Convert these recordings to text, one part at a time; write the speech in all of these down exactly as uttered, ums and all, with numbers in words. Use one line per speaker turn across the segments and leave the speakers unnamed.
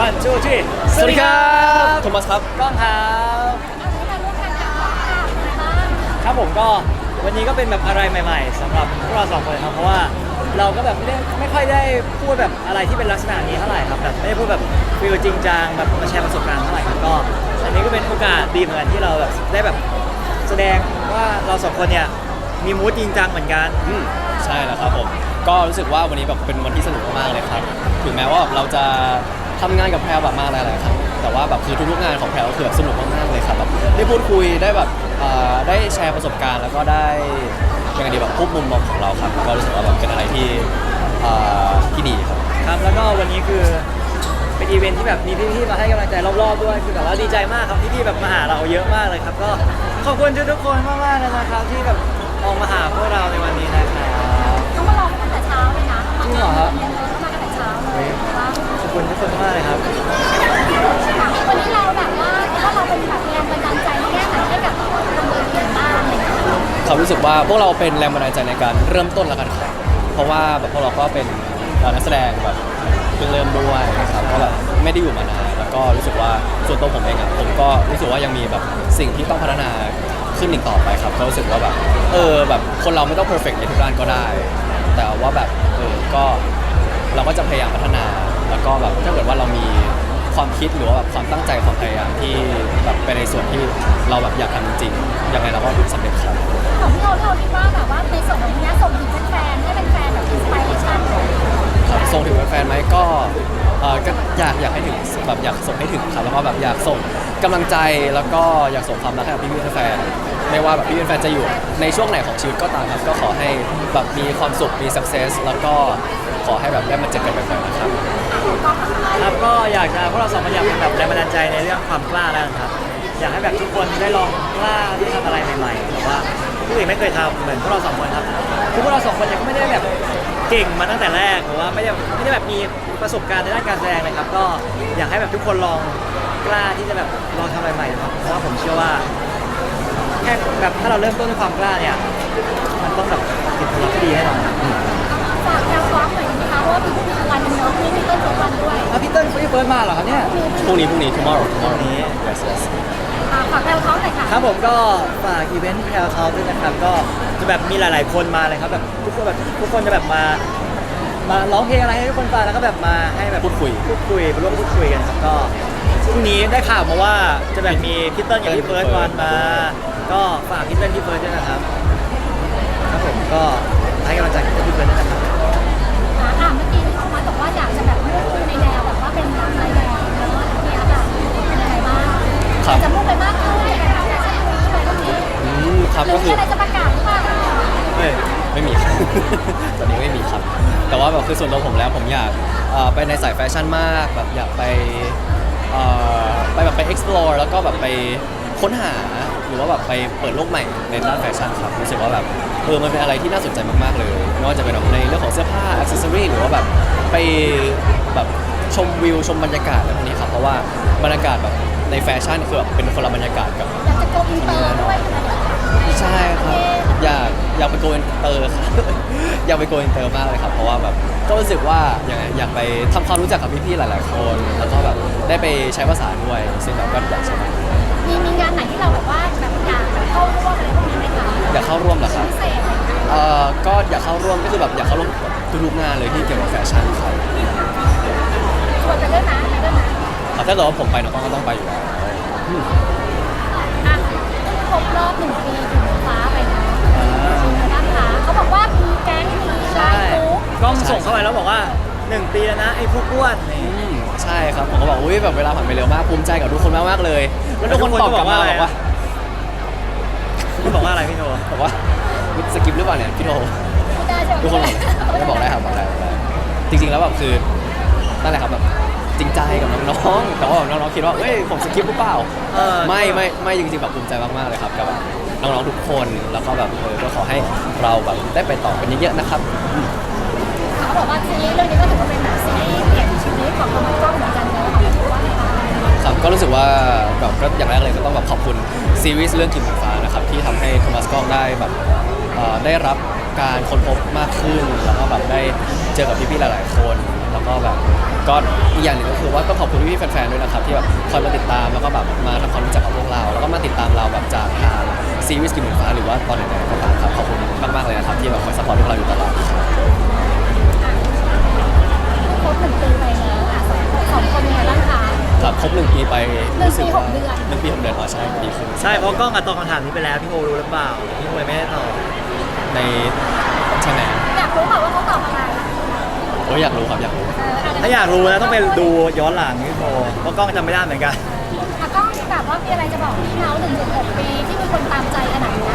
one two three
สวัสดีครับโทมัสครับ
ก้องครับครับผมก็วันนี้ก็เป็นแบบอะไรใหม่ๆสำหรับพวกเราสองคนครับเพราะว่าเราก็แบบไม่ได้ไม่ค่อยได้พูดแบบอะไรที่เป็นลักษณะนี้เท่าไหร่ครับแบบไม่ได้พูดแบบฟิลจริงจังแบบมาแชร์ประสบการณ์เท่าไหร่ครับก็อันนี้ก็เป็นโอกาสดีเหมือนกันที่เราแบบได้แบบแสดงว่าเราสองคนเนี่ยมีมูดจริงจังเหมือนกัน
อืมใช่แล้วครับผมก็รู้สึกว่าวันนี้แบบเป็นวันที่สนุกมากๆเลยครับถึงแม้ว่าเราจะทำงานกับแพรแบบมากหลายๆครั้งแต่ว่าแบบคือทุกๆงานของแพรก็คือแบบสนุกมากๆเลยครับแบบได้พูดคุยได้แบบได้แชร์ประสบการณ์แล้วก็ได้เป็นไงดีแบบพบมุมมองของเราครับก็รู้สึกว่าแบบเป็นอะไรที่ที่ดีครับ
ครับแล้วก็วันนี้คือเป็นอีเวนท์ที่แบบมีพี่ๆมาให้กำลังใจรอบๆด้วยคือแบบว่าดีใจมากครับพี่ๆแบบมาหาเราเยอะมากเลยครับก็ขอบคุณทุกๆคนมากๆเลยนะครับที่แบบออกมาหาพวกเราในวันนี้นะครับ
เขามารอตั้งแต่เช้าเลยนะ
จริงเหรอครับ
มาตั้งแต่เช้าเลย
ขอบคุณทุกคนมากเลยครับ
วันนี้เราแบบว่าถ้าเราเป็นแบบแรงบันดาลใจแค่ไหนให้กับคนเมืองเยอะบ้างเลย
เขารู้สึกว่าพวกเราเป็นแรงบันดาลใจในการเริ่มต้นแล้วกันครับเพราะว่าแบบพวกเราก็เป็นนักแสดงแบบเพิ่งเริ่มด้วยนะครับก็แบบไม่ได้อยู่มานานแล้วก็รู้สึกว่าส่วนตัวผมเองอ่ะผมก็รู้สึกว่ายังมีแบบสิ่งที่ต้องพัฒนาขึ้นอีกต่อไปครับก็รู้สึกว่าแบบเออแบบคนเราไม่ต้องเพอร์เฟกต์ในทุกด้านก็ได้ แต่ว่าแบบเออก็เราก็จะพยายามพัฒนาแล้วก็แบบถ้าเกิดว่าเรามีความคิดหรือว่าแบบความตั้งใจความพยายามที่แบบไปในส่วนที่เราแบบอยากทำจริงๆยังไงเราก็สำเร็จครับ
ของที่เราเราคิดว่าแบบว่าในส่วนของนี้ส่งถึงแฟนๆให้เป็นแฟนแบบอินสไปเรชั่น
ครับส่งถึงแฟนๆไหมก็เออก็อยากอยากให้ถึงแบบอยากส่งให้ถึงครับแล้วก็แบบอยากส่งกำลังใจแล้วก็อยากส่งความรักให้กับพี่ๆแฟนไม่ว่าแบบพี่ๆแฟนจะอยู่ในช่วงไหนของชีวิตก็ตามครับก็ขอให้แบบมีความสุขมี success แล้วก็ขอให้แบบได้มาเจอกันบ่อยๆนะครับ
ครับก็อยากจะพวกเราสองคนอยากเป็นแบบแรงบันดาลใจในเรื่องความกล้าแล้วครับอยากให้แบบทุกคนได้ลองกล้าที่ทำอะไรใหม่ๆแต่ว่าผู้อื่นไม่เคยทำเหมือนพวกเราสองคนครับคือพวกเราสองคนยังไม่ได้แบบเก่งมาตั้งแต่แรกหรือว่าไม่ได้ไม่ได้แบบมีประสบการณ์ในด้านการแสดงเลยครับก็อยากให้แบบทุกคนลองกล้าที่จะแบบลองทำอะไรใหม่ครับเพราะว่าผมเชื่อว่าแค่แบบถ้าเราเริ่มต้นด้วยความกล้าเนี่ยมันต้องแบบติดผลที่ดีแน่นอน
ฝากแนวฟ้าหน่อยนะคะเพราะว่าพี่พี่วันนึงเนาะพี่พี่ต้นสองวันด้วย
อ่ะพี่เติ้ลพี่เฟิร์สมาเหรอครับเนี่ย
พรุ่งนี้พรุ่งนี้ tomorrow
พรุ่งนี้
yes yes
ฝากแนวเขาหน่อยค่ะ
ครับผมก็ฝากอีเวนต์แพลเขาด้วยนะครับก็จะแบบมีหลายๆคนมาเลยครับแบบทุกคนแบบทุกคนจะแบบมามาร้องเพลงอะไรให้ทุกคนฟังแล้วก็แบบมาให้แบบ
พูดคุย
พูดคุยมาร่วมพูดคุยกันครับก็พรุ่งนี้ได้ข่าวมาว่าจะแบบมีพี่เติ้ลกับพี่เฟิร์สวันมาก็ฝากพี่เติ้ลพี่เฟิร์สด้วยนะครับครับผมก็ให้กำลังใจพี่เติ้ลพี่เฟิร์สด้วยนะครับ
อ่าเมื่อกี้ที่เขามาบอกว่าอยากจะแบบมุ่งในแนวแบบว่าเป็นนักแสดงเนาะเนี่ยค่ะเป็นยังไงบ้างจะมุ่งไปมากขึ้นในการแสดงอะไรพวกนี้
อืมครับก็คือ
อะไรจะประกาศหรือเปล่า
เฮ้ยไม่มีครับตอนนี้ไม่มีครับแต่ว่าแบบคือส่วนตัวผมแล้วผมอยากไปในสายแฟชั่นมากแบบอยากไปไปแบบไป explore แล้วก็แบบไปค้นหาหรือว่าแบบไปเปิดโลกใหม่ในด้านแฟชั่นครับรู้สึกว่าแบบเออมันเป็นอะไรที่น่าสนใจมากๆเลยไม่ว่าจะเป็นในเรื่องของเสื้อผ้าอิสเซอรี่หรือว่าแบบไปแบบชมวิวชมบรรยากาศอะไรพวกนี้ครับเพราะว่าบรรยากาศแบบในแฟชั่นคือแบบเป็นคนละบรรยากาศกับ
อยากจะโกอินเตอร์ด้วย
ใช่ครับอยากอยากไปโกอินเตอร์ครับอยากไปโกอินเตอร์มากเลยครับเพราะว่าแบบก็รู้สึกว่าอย่างไงอยากไปทำความรู้จักกับพี่ๆหลายๆคนแล้วก็แบบได้ไปใช้ภาษาด้วยซึ่งแบบก็อยากใช้
มีมีงานไหนที่เราแบบว่าแบบอยากเข้าร่วมอะไรพวกนี้ไหมคะ
อยากเข้าร่วมเหรอครับเอ่อก็อยากเข้าร่วมก็คือแบบอยากเข้าร่วมทุกๆงานเลยที่เกี่ยวกับแฟชั่นครับ
ชวนไปด้วยนะไปด้วยนะ
ถ้าเกิดว่าผมไปน้องก็ต้องไปอยู่แล้ว
อ่ะครบรอบหนึ่งปีถึงฟ้าไปนะนะคะเขาบอกว่ามีแก๊งมีไลฟ์กรุ๊ป
กล้องส่งเข้าไปแล้วบอกว่าหนึ่งปีแล้วนะไอ้พวกอ้วน
ใช่ครับผมก็บอกอุ้ยแบบเวลาผ่านไปเร็วมากภูมิใจกับทุกคนมากมากเลยแล้วทุกคนตอบกลับมาบอกว่า
พี่บอกว่าอะไรพี่โน
บอกว่าสกิปหรือเปล่าเนี่ยพี่โนทุกคนไม่บอกได้ครับบอกได้จริงๆแล้วแบบคือนั่นแหละครับแบบจริงใจกับน้องๆแต่ว่าน้องๆคิดว่าเฮ้ยผมสกิปหรือเปล่าไม่ไม่ไม่จริงๆแบบภูมิใจมากๆเลยครับกับน้องๆทุกคนแล้วก็แบบเออก็ขอให้เราแบบได้ไปต่อกันเยอะๆนะครับ
เขาบอกว่าซีรีส์เรื่องนี้ก็ถือว่าเป็นแบบซีรีส์เปลี่ยนชีวิตของคนกล้องเหมือนกันเนอะของว่าไงคะ
ครับก็รู้สึกว่าแบบก็อย่างแรกเลยก็ต้องแบบขอบคุณซีรีส์เรื่องกิ่งฟ้านะครับที่ทำให้โทมัสกล้องได้แบบได้รับการค้นพบมากขึ้นแล้วก็แบบได้เจอกับพี่ๆหลายๆคนแล้วก็แบบก็อีกอย่างหนึ่งก็คือว่าต้องขอบคุณพี่ๆแฟนๆด้วยนะครับที่แบบคอยมาติดตามแล้วก็แบบมาทำความรู้จักกับพวกเราแล้วก็มาติดตามเราแบบจากทางซีรีส์กินหมูฟ้าหรือว่าตอนไหนๆก็ตามครับขอบคุณมากๆเลยนะครับที่แบบคอยซัพพอร์ตพวกเราอยู่ตลอด
ครบหนึ่งปีไปแล้วอ่ะสองสองคนเป็นไงบ้างคะ
ครับครบหนึ่งปีไป
หนึ่งปี
รู้สึกว่า
หกเดือน
หนึ่งปีหกเดือนอ๋อใช่ดีขึ้น
ใช่เพราะกล้องอัดตอบคำถามนี้ไปแล้วพี่โอรู้หรือเปล่าพี่โอเลยไม่ได้ตอบ
ในใช่ไหม
อยากรู้เปล่าว่าเขาตอบอะไร
โอ้ยอยากรู้ครับอยากรู้
เอออาจจะ
ถ้าอยากรู้นะต้องไปดูย้อนหลังพี่โอเพราะกล้องจำไม่ได้เหมือนกัน
อ่ะก็แบบว่ามีอะไรจะบอกพี่เขาหนึ่งถึงหกปีที่มีคนตามใจขนาดนี้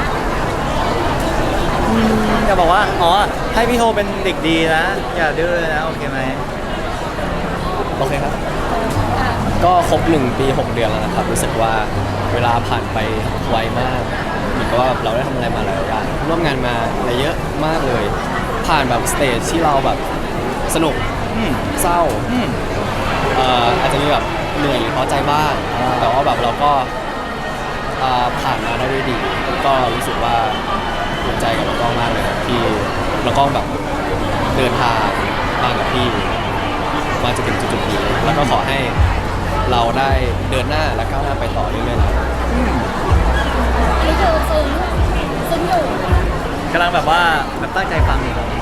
จะบอกว่าอ๋อให้พี่โทเป็นเด็กดีนะ อย่าดื้อนะโอเคไหม
โอเคครับ
อ่ะ
ก็ครบหนึ่งปีหกเดือนแล้วนะครับรู้สึกว่าเวลาผ่านไปไวมากเหมือนกับว่าแบบเราได้ทำอะไรมาหลายอย่างร่วมงานมาอะไรเยอะมากเลย ผ่านแบบสเตจที่เราแบบสนุก
อืม
เศร้า
อืม
เอ่ออาจจะมีแบบเหนื่อยหรือท้อใจบ้าง
อ่า
แต่ว่าแบบเราก็อ่าผ่านมาได้ด้วยดี ก็รู้สึกว่าภูมิใจกับน้องกล้องมากเลยครับที่น้องกล้องแบบเดินทางมากับพี่มาจะถึงจุดๆนี้แล้วก็ขอให้เราได้เดินหน้าและก้าวหน้าไปต่อเรื่อยๆนะครับ
อันนี้คือซึ้งซึ้งอยู่
กำลังแบบว่าแบบตั้งใจฟังอยู่ครับ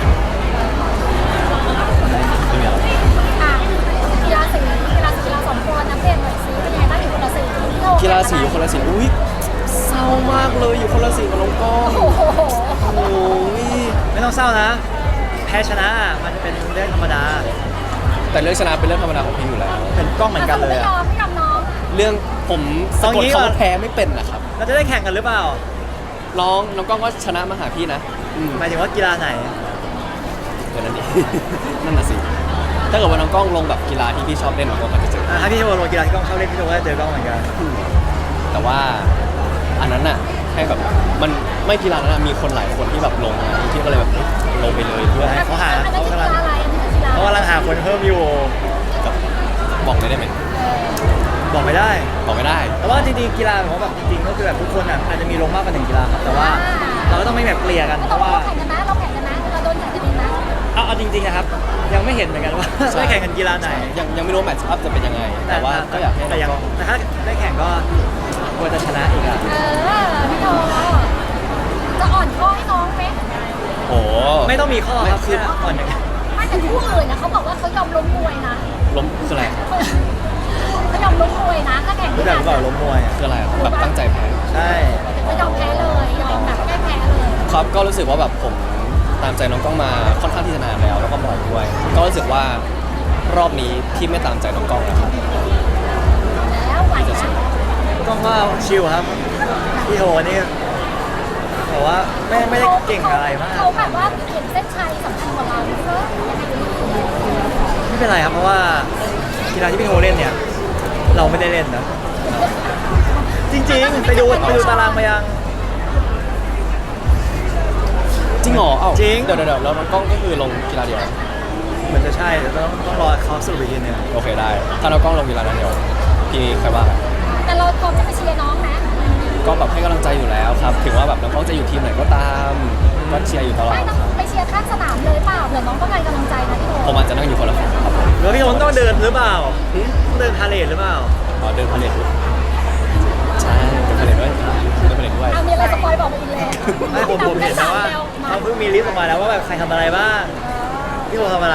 ไม่มีอะไร
อ่ะกีฬาสีกีฬาสีเราสองคนนักเรียนหน่อยสีเป็นยังไงบ้างอยู่คนละสีที่โอ
กีฬาสีอยู่คนละสีอุ้ยเศร้ามากเลยอยู่คนละสีกับน้องกล้อง
โอ้โห
โอ้ย
ไม่ต้องเศร้านะ แพ้ชนะมันเป็นเรื่องธรรมดา
แต่เรื่องชนะเป็นเรื่องธรรมดาของพี่อยู่แล้ว
เป็นกล้องเหมือนกันเลย
ไม่ย
อะ
อมไม่ยอมน้อง
เรื่องผมสะ
เอา
กด
งี้
คำ
ก่อ
ว่าน แพ้ไม่เป็นนะครับ
เราจะได้แข่งกันหรือเปล่า
น้องน้องกล้องก็ชนะมาหาพี่นะอืม
หมายถึงว่ากีฬาไหน
เดี๋ยวนั้นดิ นั่นน่ะสิถ้าเกิดว่าน้องกล้องลงแบบกีฬาที่พี่ชอบเล่นน้องกล้องก็จะเจอ
อ่ะถ้าพี่โทลงกีฬาที่กล้องชอบเล่นพี่โทก็จะเจอกล้องเหมือนกัน
แต่ว่าอันนั้นน่ะให้แบบมันไม่กีฬานั้นนะมีคนหลายคนที่แบบลงนะที่ก็เลยแบบลงไปเลยเพื่อให้
เขาหา
อันนั้น
เขา
คือกี
กำลัง
ฬาอะไรอันนี้คือกีฬา
เขากำลังหาคนเพิ่มอยู่
กับบอกเลยได้ไหม
บอกไม่ได้
บอกไม่ได้
แต่ว่าจริงๆกีฬาของแบบจริงๆก็คือแบบทุกคนอ่ะอาจจะมีลงมากกว่าหนึ่งกีฬาครับแต่ว่าเราก็ต้องไม่แบบเกลี่ยกันเพ
เรา
ราะว่า
แข่งกันนะเราแข่งกันนะเราโดนแข่งกันเองนะ
เอาเอาจริงๆนะครับ ยังไม่เห็นเหมือนกันว่า
ใช่
ได้แข่งกันกีฬาไหน
ยังยังไม่รู้แมตช์อัพจะเป็นยังไง แต่ว่าก็อยากให้
แต่
น้
ยั
อง งกล้อง
แต่ถ้าได้แข่งก็ควรจะชนะอีกอ่ะ
เออพี่โตจะอ่อนข้อให้น้องไหม
โอ้
ไม่ต้องมีข้อครับ
คือ
แค่อ่อนอย่างเดียว
ไม่แต่คู่อื่นนะเขาบอกว่าเขายอมล้มมวยนะ
ล้มคืออะไร
เขายอมล้มมวยนะถ้าแข่ง
รู้จักหรือเปล่าล้มมวยอ่ะ
คืออะไรอะแบบตั้งใจแพ้
ใช่
เขายอมแพ้เลยยอมแบบแก้แพ้เลย
ครับก็รู้สึกว่าแบบผมตามใจน้องกล้องมาค่อนข้างที่จะนานแล้วแล้วก็บ่อยด้วย ก็รู้สึกว่ารอบนี้ที่ไม่ตามใจน้องกล้องนะครับ
แล้วไหวนะ
ต้องว่าชิลครับพี่โทนี่แต่ว่าไม่ไม่ได้เก่งอะไรมาก
เขาแบบว่าเห็นเส้นชัยสำคัญกว่าเราเนอะยังไงดี
ไม่เป็นไรครับเพราะว่ากีฬาที่พี่โทเล่นเนี่ย เราไม่ได้เล่นนะจริงๆไปดูไปดูตารางมายัง
จริงเหรอเอ้า
จริง
เดี๋ยวเดี๋ยวเดี๋ยวแล้วน้องกล้องก็คือลงกีฬาเดียว
เหมือนจะใช่แต่ต้องต้องรอเขาสรุปอีกทีหนึง
โอเคได้ ถ้าน้องกล้องลงกีฬานั้นเดียวพี่ใครว่ากัน
แต่เราพร้อมจะไปเชียร์น้องนะ
ก็แบบให้กำลังใจอยู่แล้วครับ ถึงว่าแบบน้องกล้องจะอยู่ทีมไหนก็ตามก็เชียร์อยู่ตลอด
ไม่
ค
ต้อ
รับ
งไปเชียร์ข้างสนามเลยเปล่าเผื่อน้องต้องการกำลังใจนะพี่โอ
ผมอาจจะนั่งอยู่คนละฝั่งครับผม
แล้วพี่โทต้องเดินหรือเปล่าต้องเดินพาเลทหรือเปล่า
อ๋อเดินพาเลทด้วยใช่เดินพาเลทด้วยเดินพาเลทด้วย
เอามีอะไรสปอยบอกมาอีกเลย
ไม่ผมผมเห็นนะว่าเขาเพิ่งมีลิสต์ออกมาแล้วว่าแบบใครทำอะไรบ้างพี่โททำอะไร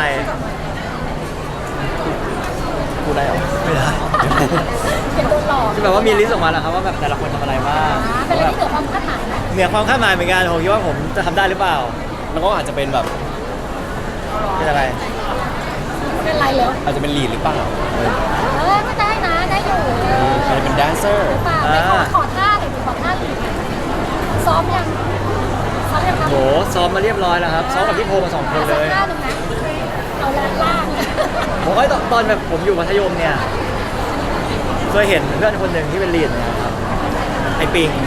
พูดได้เหรอ
ไม่ได้
เห็นโดนหลอก
คือแบบว่ามีลิสต์ออกมาแล้วครับว่าแบบแต่ละคนทำอะไรบ้าง
อ่าเป็นอะไรที่เหนือความคาดหมายนะ
เหนือความคาดหมายเหมือนกันผมคิดว่าผมจะทำได้หรือเปล่า
น้องกล้องอาจจะเป็นแบบ
เป็นอะไร
เป็นไรเหรอ
อาจจะเป็นลีดหรือเปล่า
เออไม่ได้นะได้อยู่
อาจจะเป็นแดนเซอร์
หรือเปล่าไม่ขอขอท่าหน่อยดิขอท่าหน่อยดิซ้อมยังซ้อมยังครับ
โหซ้อมมาเรียบร้อยแล้วครับซ้อมกับพี่โทมาสองคนเลย
สักท่าหนึ่งนะเอาแรงล่าง
ผมก็ตอนแบบผมอยู่มัธยมเนี่ยเคยเห็นเพื่อนคนหนึ่งที่เป็นลีดนะครับไอปิง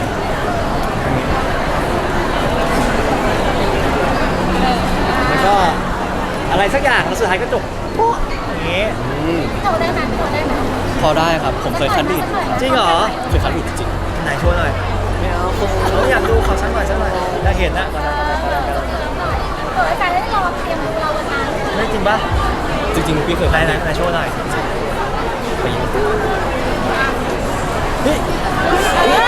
แล้วก็อะไรสักอย่างแล้วสุดท้ายก็จบปุ๊บอย่างงี้
อืม
พี่โตได้ไหมพี่โตได้ไหม
พอได้ครับ ผมเคยคัดลีด
จริงเหรอ
เคยคัดลีดจริง
ไหนโชว์หน่อย
ๆไม่เอาคง
เราอยากดูเขาสักหน่อยสักหน่อยอยากเห็นนะ
เออเออเออเออการได้ลองเตรียมดูเราวันนั้น
ไม่จริงปะ
เ
จริงๆพี่เคย
ไหน
ทำ
ไหน
เอง
ไหนโชว์หน่อย
ไปยิง
เฮ้ย
อันนี้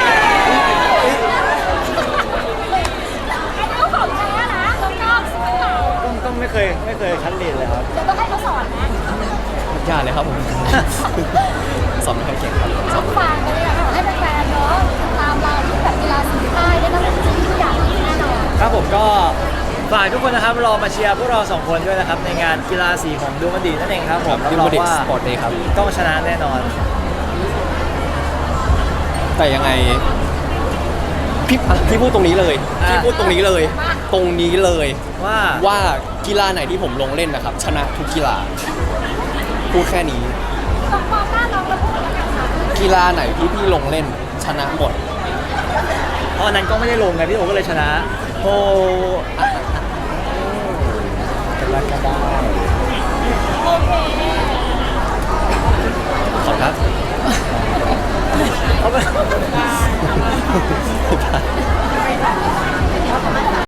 ก็ของแท้นะแล้วก็สวยเก่า
ต้องต้องไม่เคยไม่เคยคัดเรียนเลยครับ
เดี๋ยวต้องให้เขาสอนนะ
ยากเลยครับผม สอนไม่ค่อยเก่งครับ
เอาฝากไปเลยค่ะให้แฟนๆเนาะตามเราที่แบบกีฬาสีค่ายได้ทั้งทุกอย่างแน่นอน
ครับผมก็ฝากทุกคนนะครับรอมาเชียร์พวกเราสองคนด้วยนะครับในงานกีฬาสีของดูมันดีนั่นเองครับผม
ดิ
รับรอ
ว
ง
ดิก
ว่า
สปอร์ตเดย์ครับ
ต้องชนะแน่นอน
แต่ยังไงพี่อ่ะพี่พูดตรงนี้เลย
อ่ะ
พี่พูดตรงนี้เลย ตรงนี้เลย
ว่า
ว่ากีฬาไหนที่ผมลงเล่นนะครับ ชนะทุกกีฬาพูดแค่นี้
ต้องมองหน้าน้องแล้วพูดแล้วกันค่ะ
กีฬาไหนที่พี่ลงเล่นชนะหมด
เพราะอันนั้นก็ไม่ได้ลงไงพี่โอก็เลยชนะ
โอ้